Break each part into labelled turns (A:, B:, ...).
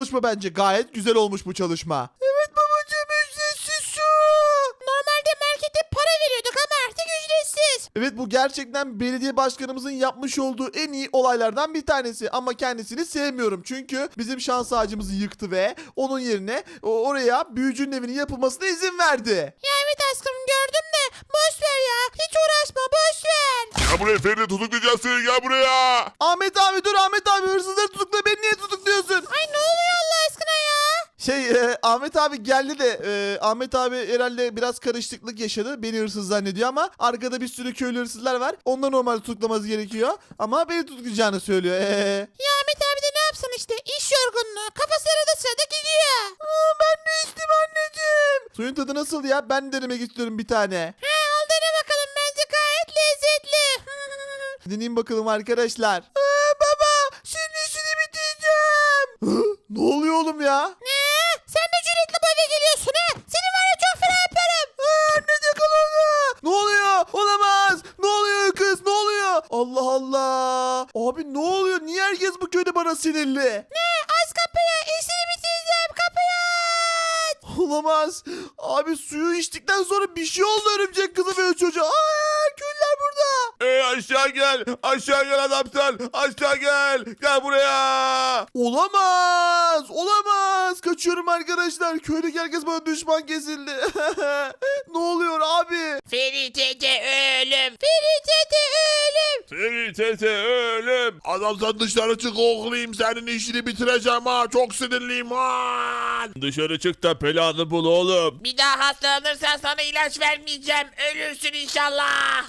A: çalışma bence. Gayet güzel olmuş bu çalışma. Evet babacığım, ücretsiz su.
B: Normalde markete para veriyorduk ama artık ücretsiz.
A: Evet, bu gerçekten belediye başkanımızın yapmış olduğu en iyi olaylardan bir tanesi. Ama kendisini sevmiyorum. Çünkü bizim şans ağacımızı yıktı ve onun yerine oraya büyücünün evinin yapılmasına izin verdi.
B: Ya evet aşkım gördüm de boş ver ya. Hiç uğraşma boş ver.
C: Gel buraya Feride, tutuklayacağız seni, gel buraya.
A: Ahmet abi dur, Ahmet abi hırsızları tutukla, beni niye tutukluyorsun?
B: Ay ne oluyor Allah aşkına ya?
A: Ahmet abi geldi de Ahmet abi herhalde biraz karışıklık yaşadı. Beni hırsız zannediyor ama arkada bir sürü köylü hırsızlar var. Onları normalde tutuklaması gerekiyor. Ama beni tutuklayacağını söylüyor.
B: Ya Ahmet abi de ne yapsın işte iş yorgunluğu. Kafası arada sırada gidiyor.
A: Ben de içtim anneciğim. Suyun tadı nasıl ya? Ben denemek istiyorum bir tane.
B: He al dene bakalım bence gayet lezzetli.
A: Deneyeyim bakalım arkadaşlar. Baba, senin işini bitireceğim. Ne oluyor oğlum ya?
B: Ne? Sen de cüretli bu eve geliyorsun ha? Seni var ya çok fena yaparım.
A: Anne yakaladı. Ne oluyor? Olamaz. Ne oluyor kız? Ne oluyor? Allah Allah. Abi ne oluyor? Niye herkes bu köyde bana sinirli?
B: Ne? Aç kapıyı işini bitireceğim kapıyı aç.
A: Olamaz. Abi suyu içtikten sonra bir şey oldu örümcek kızı ve çocuğa. Köylüler burada.
C: Aşağı gel, aşağı gel adam sen, aşağı gel, gel buraya.
A: Olamaz. Olamaz. Kaçıyorum arkadaşlar. Köydeki herkes bana düşman kesildi. Ne oluyor abi?
B: Ferit'e ölüm. Ferit'e ölüm.
C: Feride ölüm. Adam sen dışarı çık, oğlayım senin işini bitireceğim ha, çok sinirliyim ha. Dışarı çık da planı bul oğlum.
B: Bir daha hastalanırsan sana ilaç vermeyeceğim. Ölürsün inşallah.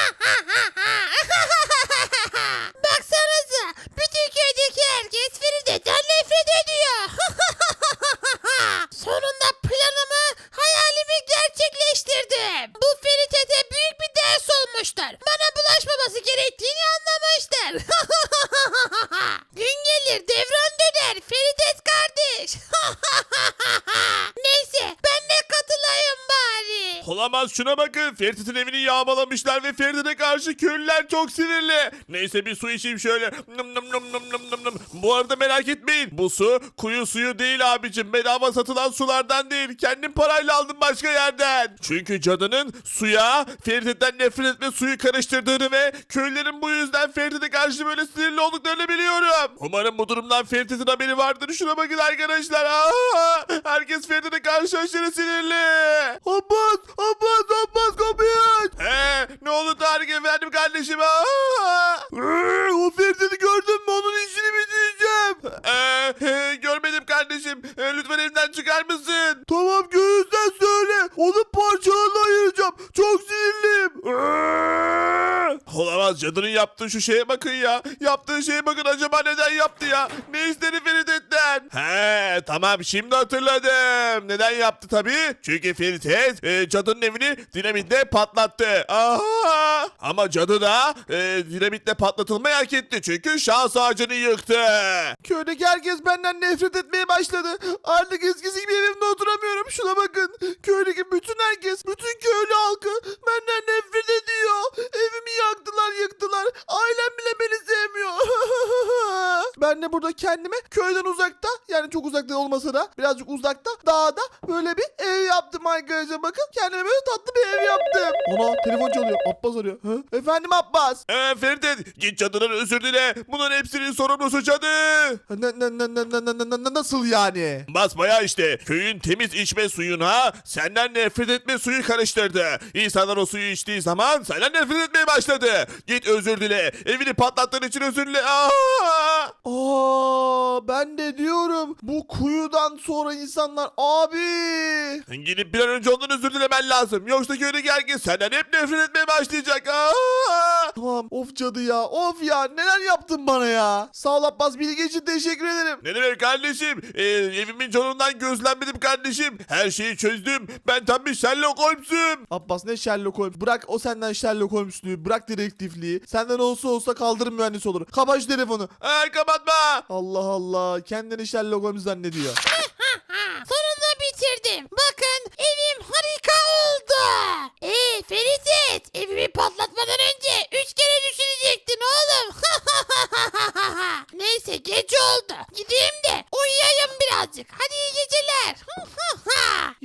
B: Baksanıza. Bütün köydeki herkes Feride'den nefret ediyor. Sonunda planımı, hayalimi gerçekleştirdim. Bu Feride büyük bir ders olmuştur. Bana bulaşmaması gerektiğini anlamıştır. Gün gelir devran döner Feridet kardeş. Neyse ben de katılayım bari.
C: Olamaz, şuna bakın, Feride'nin evini yağmalamışlar ve Feride'ne karşı köylüler çok sinirli. Neyse bir su içeyim şöyle. Nım nım nım nım nım nım nım. Bu arada merak etmeyin, bu su kuyu suyu değil abicim, bedava satılan sulardan değil, kendim parayla aldım başka yerden. Çünkü cadının suya Feride'den nefret etme suyu karıştırdığını ve köylülerin bu yüzden Feride'ne karşı böyle sinirli olduklarını biliyorum. Umarım bu durumdan Feride'nin haberi vardır. Şuna bakın arkadaşlar. Herkes Feride'ne karşı aşırı sinirli.
A: Abbas, Abbas kapıyı aç.
C: Ne oldu Tarık efendim kardeşim?
A: O Ferdi'ni gördün mü? Onun işini bitireceğim.
C: Görmedim kardeşim. Lütfen evden çıkar mısın?
A: Tamam, göğüsten söyle. Onu parçalarına ayıracağım. Çok sinirliyim.
C: Olamaz, cadının yaptığı şu şeye bakın ya. Yaptığı şeye bakın, acaba neden yaptı ya? Ne istedi Feride'den? Tamam, şimdi hatırladım. Neden yaptı tabii? Çünkü Feride cadının evini dinamitle patlattı. Ama cadı da dinamitle patlatılmayı hak etti. Çünkü şans ağacını yıktı.
A: Köydeki herkes benden nefret etmeye başladı. Artık eskisi gibi evimde oturamıyorum. Şuna bakın. Köydeki bütün herkes, bütün köylü halkı benden nefret ediyor. Evimi yaktılar, yıktılar. Ailem bile beni sevmiyor. Ben de burada kendime köyden uzakta, yani çok uzakta olmasa da birazcık uzakta, dağda böyle bir ev yaptım arkadaşlar. Bakın, kendime böyle tatlı bir ev yaptım. Ona telefon çalıyor. Abbas arıyor. Efendim Abbas.
C: Feride, git cadının özür dile. Bunların hepsinin sorumlusu cadı.
A: Nasıl yani?
C: Basbayağı işte. Köyün temiz içme suyuna senden nefret etme suyu karıştırdı. İnsanlar o suyu içtiği zaman senden nefret etmeye başladı. Git özür dile. Evini patlattığın için özür dile.
A: Ben de diyorum, bu kuyudan sonra insanlar
C: Gidip bir an önce ondan özür dilemen lazım. Yoksa köydeki herkes senden hep nefret etmeye başlayacak.
A: Tamam, of cadı ya, of ya, neler yaptın bana ya. Sağ ol Abbas, bilgi için teşekkür ederim.
C: Ne demek kardeşim? Evimin canından gözlenmedim kardeşim. Her şeyi çözdüm. Ben tam bir Sherlock Holmes'um.
A: Abbas, ne Sherlock Holmes? Bırak, o senden Sherlock Holmes'luğu, bırak dedektifliği. Senden olsa kaldırım mühendisi olur. Kapat şu telefonu.
C: Kapatma.
A: Allah Allah, kendini Sherlock Holmes zannediyor.
B: Sonunda bitirdim. Bakın evim harika oldu. Ferit, evimi patlatmadan önce 3 kere düşünecektin oğlum. Neyse geç oldu. Gideyim de uyuyayım biraz.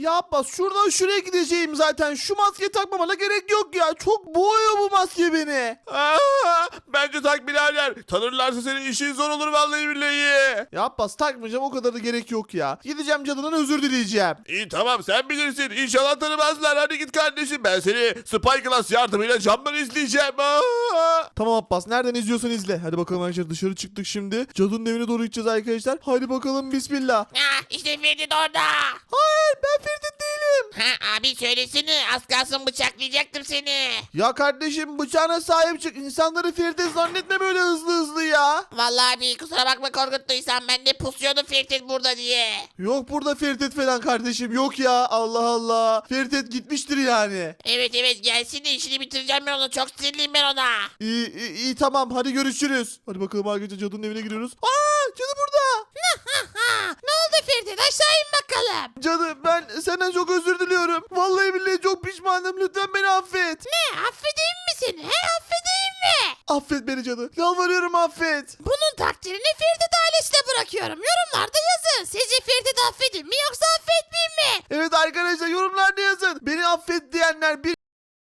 A: Ya Abbas şuradan şuraya gideceğim zaten. Şu maskeyi takmamana gerek yok ya. Çok boğuyor bu maske beni.
C: Bence tak birader. Tanırlarsa senin işin zor olur vallahi billahi.
A: Ya Abbas takmayacağım, o kadar da gerek yok ya. Gideceğim cadının özür dileyeceğim.
C: İyi tamam sen bilirsin. İnşallah tanımazlar. Hadi git kardeşim. Ben seni Spy Class yardımıyla camdan izleyeceğim.
A: Tamam Abbas, nereden izliyorsan izle. Hadi bakalım arkadaşlar, dışarı çıktık şimdi. Cadının evine doğru gideceğiz arkadaşlar. Hadi bakalım, bismillah.
B: İşte Ferit orada.
A: Hayır, ben Ferit değilim.
B: Abi söylesene, az kalsın bıçaklayacaktım seni.
A: Ya kardeşim, bıçağına sahip çık. İnsanları Ferit zannetme böyle hızlı ya.
B: Vallahi abi kusura bakma korkuttuysam, ben de pusuyordum Ferit burada diye.
A: Yok burada Ferit falan kardeşim, yok ya. Allah Allah. Ferit gitmiştir yani.
B: Evet gelsin de işini bitireceğim ben onu, çok sinirliyim ben ona.
A: İyi tamam, hadi görüşürüz. Hadi bakalım arkadaşlar, cadının evine giriyoruz. Aa, cadı burada.
B: Ne oldu Ferit, aşağı in bakalım.
A: Cadı, ben senden çok özür diliyorum. Vallahi billahi çok pişmanım, lütfen beni affet.
B: Ne, affedeyim mi seni, affedeyim mi?
A: Affet beni cadı. Yalvarıyorum, affet.
B: Bunun takdirini Ferit ailesine bırakıyorum. Yorumlarda yazın. Sizce Ferit'i affedeyim mi yoksa